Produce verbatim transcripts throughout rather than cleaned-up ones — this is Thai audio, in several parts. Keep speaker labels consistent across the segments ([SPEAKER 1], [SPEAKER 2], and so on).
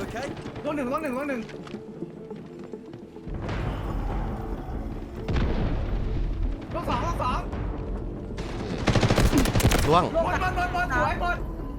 [SPEAKER 1] ล่วงหนึ่งล่วงหนึ่งล่วงหนึ่งล่วงสองล่วงสอง
[SPEAKER 2] ล่วง
[SPEAKER 1] หมดหมดหมดหมดสวยหมด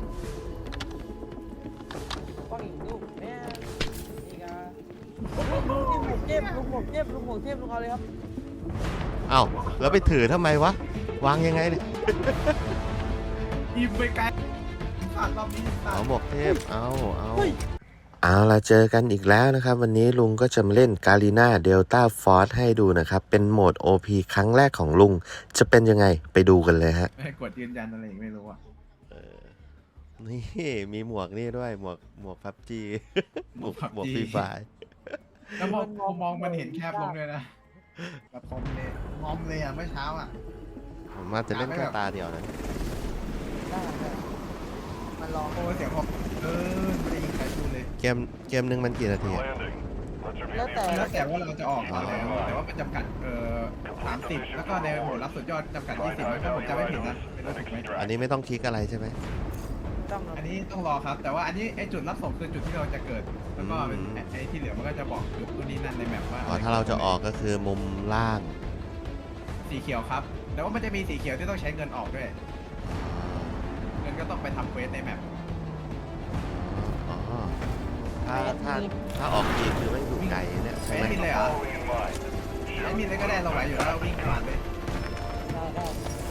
[SPEAKER 3] ก้อนอีกลูกแม่นี่กาลุงหมกเทพลุงหมกเทพลุงหมกเทพลุงเอาเลยครับ
[SPEAKER 2] เอ้าแล้วไปถือทำไมวะวางยังไงเนี่ย
[SPEAKER 1] ยิงไปไกลขาดรอบนี้
[SPEAKER 2] เอาหมวกเทพเอาเอาเอาละเจอกันอีกแล้วนะครับวันนี้ลุงก็จะมาเล่นกาลีนาเดลต้าฟอร์สให้ดูนะครับเป็นโหมด โอ พี ครั้งแรกของลุงจะเป็นยังไงไปดูกันเลยฮะ
[SPEAKER 1] ไม่กดยืนยันอะไรไม่รู้อ่ะ
[SPEAKER 2] นี่มีหมวกนี่ด้วยหมวกหมวกพับจี หมวกหมวก
[SPEAKER 1] PUBG
[SPEAKER 2] ฟรีไฟ
[SPEAKER 1] แล้วมองมองมองมันเห็นแคบลงเลยนะแบบคอมเลยงอมเลยอ่ะเมื่อเช้าอ่ะ
[SPEAKER 2] ผมมาจะเล่นแค่ตาเดียวนะ
[SPEAKER 3] ได้ได้มันรอ
[SPEAKER 1] โอ้เสียงผมเออไม่ได้ยิงใครพูดเลย
[SPEAKER 2] เกมเกมหนึ่งมันกี่นาทีอะ
[SPEAKER 3] แล้วแต่
[SPEAKER 1] แล้วแต่ว่าเราจะออกตอนไหนแต่ว่ามันจำกัดเอ่อสามสิบแล้วก็ในโหมดรับสุดยอดจำกัดยี่สิบถ้าผมจำไม่ผิดนะเป็นรู้สึกไหม
[SPEAKER 2] อันนี้ไม่ต้องคลิกอะไรใช่ไหม
[SPEAKER 3] ต้อง
[SPEAKER 1] อันนี้ต้องรอครับ แต่ว่าอันนี้ไอจุดรับส่งคือจุดที่เราจะเกิด แล้วก็เป็นไอที่เหลือมันก็จะบอกจุดตัวนี้นั่นในแมปว่า
[SPEAKER 2] อ๋อถ้าเราจะออกก็คือมุมล่าง
[SPEAKER 1] สีเขียวครับ แต่ว่ามันจะมีสีเขียวที่ต้องใช้เงินออกด้วย เงินก็ต้องไปทำเควสในแมป
[SPEAKER 2] อ๋อถ้าถ้าถ้าออกทีคือไม่อยู่ไกลเนี่ยใช่
[SPEAKER 1] ไม่
[SPEAKER 2] ไหม
[SPEAKER 1] มีเลยเหรอไม่มีเลยก็ได้เราไหวอยู่แล้ววิ่งผ่านเลย
[SPEAKER 3] ได้ได้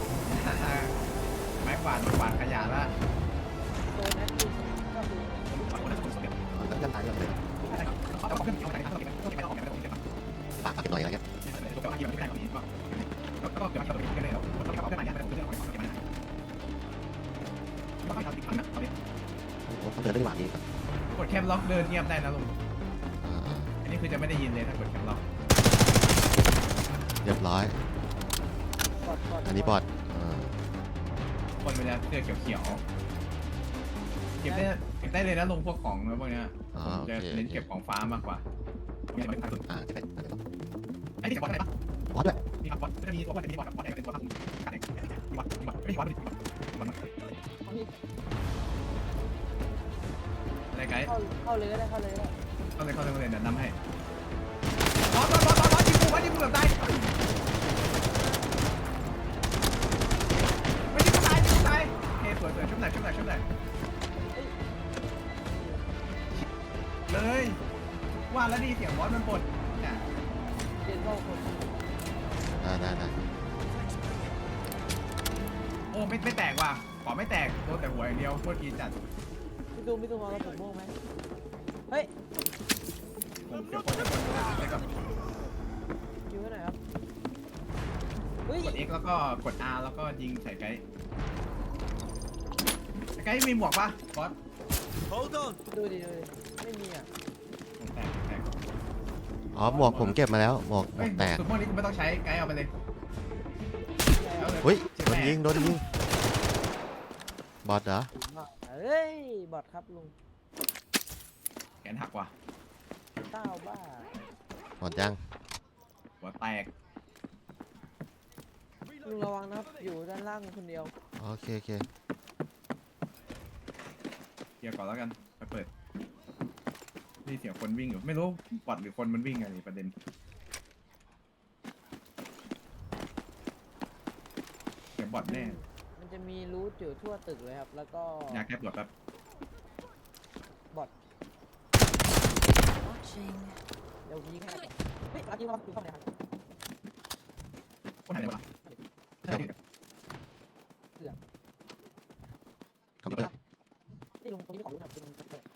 [SPEAKER 1] ไม้กวาดไม้กวาดขยะละ
[SPEAKER 3] โซนนั้นคือก็คือ
[SPEAKER 2] อ๋อแล้วจะตายแบบไหนปากเก็บหน่อยอะไรเงี้ยผมเขาเดินได้หวานดีครับ
[SPEAKER 1] กดแคปล็อกเดินเงียบได้นะลุง
[SPEAKER 2] อ่า
[SPEAKER 1] อันนี้คือจะไม่ได้ยินเลยถ้ากดแคปล็อก
[SPEAKER 2] เรียบร้อย
[SPEAKER 3] บอดบอด
[SPEAKER 2] อันนี้บอดอ่า
[SPEAKER 1] คนเวลาเสื้อเขียวๆเก็บได้เก็บได้เลยนะลงพวกของแล้วพวกเนี้ย
[SPEAKER 2] อ๋อ
[SPEAKER 1] ผม
[SPEAKER 2] โอ
[SPEAKER 1] จะ
[SPEAKER 2] เค
[SPEAKER 1] เน้นเก็บของฟ้ามากกว่า
[SPEAKER 2] อ่าจะเป็น
[SPEAKER 1] ไอ้นี่เก็บบอลอะไรปะ
[SPEAKER 2] บอดด้วย
[SPEAKER 1] มีครับบอลจะมีตัวบอลจะมีบอลกับบอลแดงเป็นตัวตั้งการแข่งมีบอลมีบอลไม่มีบอลไม่มีบอลอะไรไกด์
[SPEAKER 3] เข้าเข้าเลยก็ได้เข้าเลยก็ได้
[SPEAKER 1] เข้าเลยเข้าเลยเข้าเลยเดี๋ยวนำให้บอลบอลบอลบอลบอลยิงกูบอลยิงกูแบบตายไม่ยิงกูตายยิงกูตายโอเคสวยสวยชุบหน่อยชุบหน่อยชุบหน่อยเลยว่าแล้วดีเสียงบอลมันปดเนี่ย
[SPEAKER 3] เรียนเข้าคน
[SPEAKER 2] ได้ได้ได้
[SPEAKER 1] โอ้ไม่ไม่แตกว่ะขอไม่แตกโดนแต่หัวอย่างเดียวโคตรกีจัด
[SPEAKER 3] พี่ตูมพี่ตูมเอากระสุนม่วงไหมเฮ้ย
[SPEAKER 1] ผมเดี๋ยวคนจะกดได้กับ
[SPEAKER 3] อยู่ที่ไหนครับเฮ้ย
[SPEAKER 1] กด X แล้วก็กด R แล้วก็ยิงใส่ไกด์ไกด์มีหมวกปะบอส
[SPEAKER 3] ดูดิดูดิไม่มีอ่ะ
[SPEAKER 1] แตกแตก
[SPEAKER 2] อ๋อหมวกผมเก็บมาแล้วหมวกหม
[SPEAKER 1] เฮ้
[SPEAKER 2] วย กแตก
[SPEAKER 1] สุดพวกนี้กูไม่ต้องใช้ไกด์เอาไปเลยเอาเลย
[SPEAKER 2] อุ้ย
[SPEAKER 1] เจ็บ
[SPEAKER 2] โดน
[SPEAKER 1] แม่
[SPEAKER 2] ยิงโดนยิงบอดเหรอ
[SPEAKER 3] เฮ้ยบอดครับลุง
[SPEAKER 1] แขนหักว่ะ
[SPEAKER 3] เต้าบ้า
[SPEAKER 2] บอดยัง
[SPEAKER 1] หัวแตก
[SPEAKER 3] ลุงระวังนะครับอยู่ด้านล่างคนเดียว
[SPEAKER 2] โอเคโอเค
[SPEAKER 1] เดี๋ยวก่อนแล้วกันไปเปิดนี่เสียงคนวิ่งอยู่ไม่รู้บอดหรือคนมันวิ่งอะไรประเด็นเสียงบอดแน่
[SPEAKER 3] มันจะมีรูทอยู่ทั่วตึกเลยครับแล้วก็
[SPEAKER 1] อยากแก้ปวดแป๊บบ
[SPEAKER 3] อดเดี๋ยวยิงให้ครับเฮ้ยรับยิงรับยิงเข้าไหนครับ
[SPEAKER 1] คนไหนวะ
[SPEAKER 2] ขอบคุณครับ
[SPEAKER 3] นี่ลุงตรงนี้ของลุงครับลุงเปิด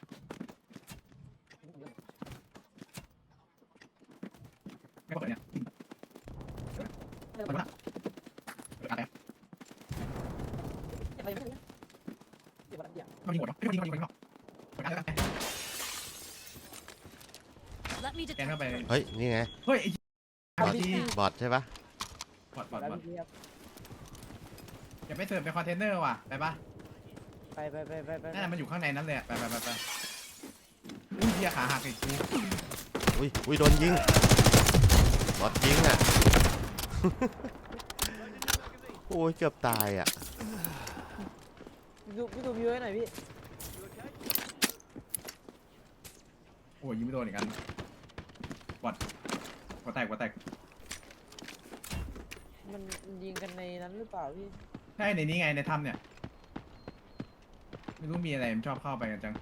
[SPEAKER 1] ไม่เปิดเนี่ย
[SPEAKER 3] เปิด
[SPEAKER 1] เปิดนะเปิดอะไร
[SPEAKER 3] เก็บอะไรไม่ได้เก็บอะไรอย่าง
[SPEAKER 1] มันมีหมดหรอไม่มีมันมีมันมีเปิดอะไรกันแกนเข้าไป
[SPEAKER 2] เฮ้ยนี่ไง
[SPEAKER 1] เฮ้ยไอ้
[SPEAKER 2] บอด
[SPEAKER 1] ที่
[SPEAKER 2] บอดใช่ปะ
[SPEAKER 1] บอดบอด
[SPEAKER 3] แล้ว
[SPEAKER 1] บอด
[SPEAKER 3] พี่ครับ
[SPEAKER 1] อย่าไปเสิร์ฟเป็นคอนเทนเนอร์ว่ะไปปะ
[SPEAKER 3] ไปไปไปไปไป
[SPEAKER 1] นั่นมันอยู่ข้างในนั้นเลยไปไปไปไปอุ้ยเหี้ยขาหักอีกกู
[SPEAKER 2] อุ้ยอุ้ยโดนยิงบอดยิงอ่ะ โอ้ยเกือบตายอ่ะ
[SPEAKER 3] พี่ดูพี่ดูวิวให้หน่อยพี่
[SPEAKER 1] โอ้ยยิงไม่โดนอีกอันวัดวัดแตกวัดแตก
[SPEAKER 3] มันมันยิงกันในนั้นหรือเปล่าพี่
[SPEAKER 1] ใช่ในนี้ไงในถ้ำเนี่ยไม่รู้มีอะไรมันชอบเข้าไปกันจัง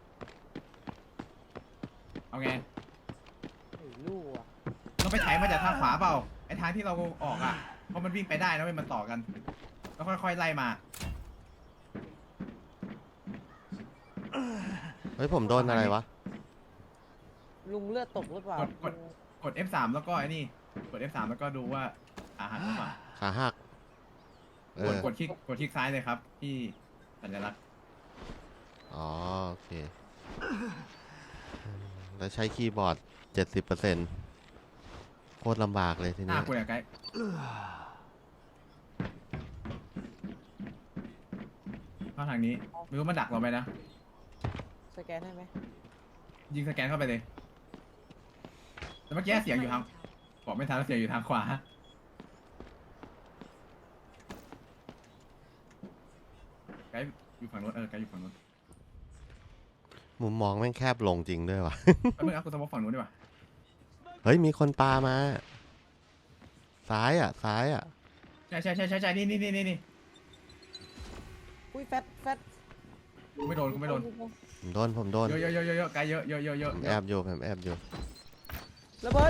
[SPEAKER 1] เอาไง
[SPEAKER 3] ไม่รู้อ่ะ
[SPEAKER 1] เราไปไถมาจากทางขวาเปล่าไอทางที่เราออกอ่ะเพราะมันวิ่งไปได้นะเว้ยมันต่อกันแล้วค่อยๆไล่มา
[SPEAKER 2] เฮ้ยผมโดนอะไรวะ
[SPEAKER 3] ลุงเลือดตกหรือเปล่าก
[SPEAKER 1] ดกด กด เอฟ สาม แล้วก็ไอ้นี่กด เอฟ สาม แล้วก็ดูว่าอาหารหรือเปล่า
[SPEAKER 2] ขาหักเอก
[SPEAKER 1] ด
[SPEAKER 2] อก
[SPEAKER 1] ดคลิกกดคลิกซ้ายเลยครับที่สัญลักษณ์
[SPEAKER 2] อ๋อโอเคแล้วใช้คีย์บอร์ดเจ็ดสิบเปอร์เซ็นต์โคตรลำบากเลยที
[SPEAKER 1] หน้า
[SPEAKER 2] นี้
[SPEAKER 1] กูเนี่ยไกด์เข้าทางนี้ไม่รู้มันดักเราไหมนะ
[SPEAKER 3] สแกนให้ไหม
[SPEAKER 1] ยิงสแกนเข้าไปเลยแต่เมื่อกี้เสียงอยู่ทางบอกไม่ทันแล้วเสียงอยู่ทางขวาไกด์อยู่ฝั่งนู้นเออไกด์อยู่ฝั่งนู้น
[SPEAKER 2] มุมมองแม่งแคบลงจริงด้วยวะ
[SPEAKER 1] แล้วมึงเอากูสมมติฝั่งนู้นดีกว่า
[SPEAKER 2] เฮ้ยมีคนปามา ซ้ายอ่ะ ซ้ายอ่ะ
[SPEAKER 1] ใช่ใช่ใช่ใช่ใช่นี่นี่นี่นี่นี่
[SPEAKER 3] อุ้ยแฟตแฟต
[SPEAKER 1] กูไม่โดนกูไม่โดน
[SPEAKER 2] ผมโดนผมโดน
[SPEAKER 1] เยอะเยอะเยอะเยอะเยอะไกด์เยอะเยอะเยอะเยอะ
[SPEAKER 2] ผมแอบอยู่ผมแอบอยู่
[SPEAKER 3] ระเบิด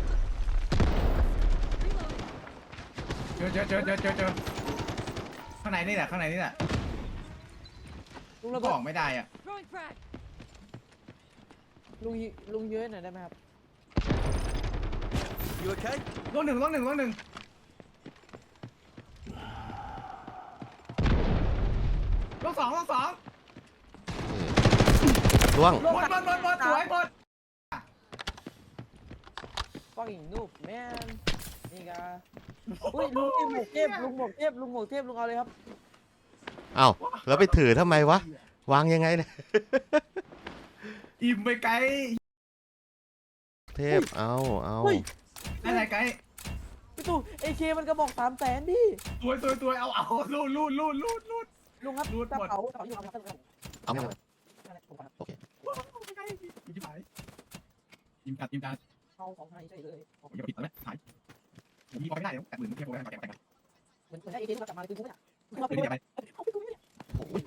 [SPEAKER 1] เจอเจอเจอเจอเจอเจอข้างในนี่แหละข้างในนี่แหละ
[SPEAKER 3] ลุง
[SPEAKER 1] ก็
[SPEAKER 3] ระเบิ
[SPEAKER 1] อ
[SPEAKER 3] ด
[SPEAKER 1] อกไม่ได้อ่ะ
[SPEAKER 4] Throwing frag.
[SPEAKER 3] ลุงยิลุงเยอะหน่อยได้ไหมครับ
[SPEAKER 5] You okay?
[SPEAKER 1] ลูกหนึ่งลูกหนึ่งลูกหนึ่งลูกสองลูกสอง
[SPEAKER 2] ล่วง
[SPEAKER 1] หมดหมดหมดหมดสวยหมด
[SPEAKER 3] fucking noob man นี่กาอุ้ยลุงนี่หมวกเทพลุงหมวกเทพลุงหมวกเทพลุงเอาเลยครับ
[SPEAKER 2] เอ้าแล้วไปถือทำไมวะ วางยังไงเนี่ย
[SPEAKER 1] อิ่มไปไกล
[SPEAKER 2] เทพ เอาเอา
[SPEAKER 3] เฮ้ย
[SPEAKER 1] อะไรไกล
[SPEAKER 3] พี่ตู่เอเคมันกระบอกสามแสนดิ
[SPEAKER 1] สวยสวยสวยเอาเอาลูดลูดลูดลูดลูด
[SPEAKER 3] ลุงครับ
[SPEAKER 1] รูด
[SPEAKER 3] กระ
[SPEAKER 1] หมด
[SPEAKER 3] เป๋ากระเป๋าอยู่ครับ
[SPEAKER 2] เอาไม่เอาโอเค
[SPEAKER 1] ไกลอิ่มไปอิ่มจัดอิ่มจัด
[SPEAKER 3] เอาของไทยใช่เลย
[SPEAKER 1] โอ้ยอย่าปิดแล้วหายมีพอไม่ได้เดี๋ยวแปดหมื่นเทียบกันแปดกัน
[SPEAKER 3] เหมือนเหมือนให้เอเคมันกลับมาเลยคือกูเนี่ย
[SPEAKER 1] เอาไปเดี๋ยวไป
[SPEAKER 3] เอาไปกูเนี่ย
[SPEAKER 1] โอ้ย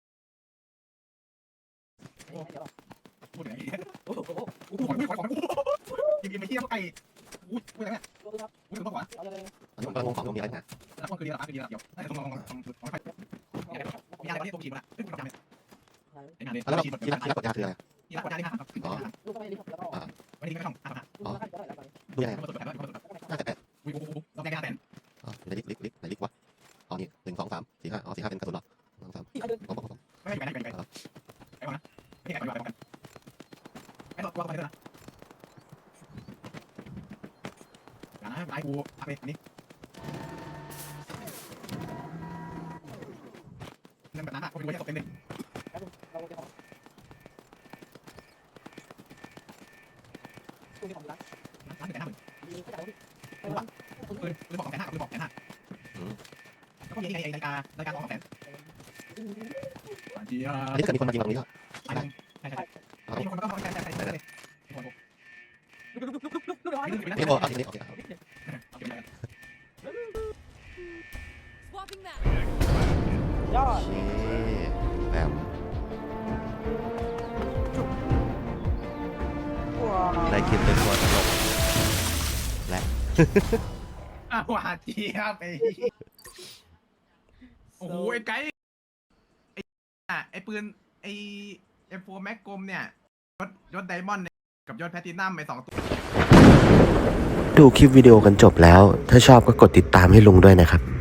[SPEAKER 3] เดี๋ยว
[SPEAKER 1] พูดอย่างนี้
[SPEAKER 3] โอ้โห
[SPEAKER 1] กูขอไม่ขอขออิ่มอิ่มไปเที่ยวไกลอุ้ยพูดอะไรเนี่ย
[SPEAKER 3] ดูครับ
[SPEAKER 1] อุ้ยถึงต้องหวาน
[SPEAKER 3] เอาเลย
[SPEAKER 2] อันนี้ผมกำลังงงของตรงนี้อะไรนะ
[SPEAKER 1] แล้วก็คือดีแล้วคือดีแล้วเดี๋ยวได้ต้องลองลองลองลองลองไปมีอะไรที่ตัวฉีดมาซึ่งคุณทำเนี่ยไอ้งานเนี่ย
[SPEAKER 2] แล้ว
[SPEAKER 1] ฉีดหมด
[SPEAKER 2] ที่รักที่รักกดยาคืออะไร
[SPEAKER 1] ที่รักกดยาได้ครับ
[SPEAKER 3] ลูกก็ไม่รีบแล้วก็
[SPEAKER 1] วันนี้ไม่ต้องอ่ะ
[SPEAKER 3] ลูกก็ได้แล้วไป
[SPEAKER 2] ดูยังไง
[SPEAKER 1] มาตรวจแบบมาตรวจแบบ
[SPEAKER 2] น่าจะแปด
[SPEAKER 1] อุ้ยโอ้โหต้องได้ยาแตน
[SPEAKER 2] อ๋อในลิกลิกลิกในลิกวะอ๋อนี่หนึ่งสองสามสี่ห้าอ๋อสี่ห้าเป็นกระสุนหรอหนึ่งสาม
[SPEAKER 3] ที่เขาเดิน
[SPEAKER 2] ผมผมผม
[SPEAKER 1] ไม่ให้ไปไหนไปไหนไปไปก่อนนะไม่ให้ไปไปกันไอ้ตัวตัวไปด้วยนะอย่านะไอ้กูเอาไปอันนี้นั่นแบบนั้นอ่ะเขาเป็นคนที่ตกเป็นหนึ่ง
[SPEAKER 3] เราจะของคุณมีของรัก
[SPEAKER 1] ร้านหนึ่งแสนห้าหมื่น
[SPEAKER 3] มีก็จะเอาที่
[SPEAKER 1] ปืนปืนบอกสองแสนห้าปืนบอกแสนห้าแล้วก็มีไอ้นาฬิกานาฬิกาสองแสนจีอ่ะ
[SPEAKER 2] อันนี้ถ้าเกิดมีคนมายิงตรงนี้ก็
[SPEAKER 1] ใช่ใช่ใช่มีคนก็ต้องใช้ใช้ใช้เลย
[SPEAKER 3] ลูกน้อย
[SPEAKER 2] นี่โอ้เอาทีนี้โอเค
[SPEAKER 4] Swapping that.
[SPEAKER 3] ยอด
[SPEAKER 2] นี่แบบ
[SPEAKER 3] ว้า
[SPEAKER 2] ได้คิดเป็นตัวตลกและ
[SPEAKER 1] อ่ะหวานจีอ่ะไปโอ้โหไอ้ไก่ไอ้อ่ะไอ้ปืนไอ้เอ็มโฟแม็กกลมเนี่ยยศยศไดมอนด์กับยศแพตตินัมไปสองตัว
[SPEAKER 2] ดูคลิปวิดีโอกันจบแล้ว ถ้าชอบก็กดติดตามให้ลุงด้วยนะครับ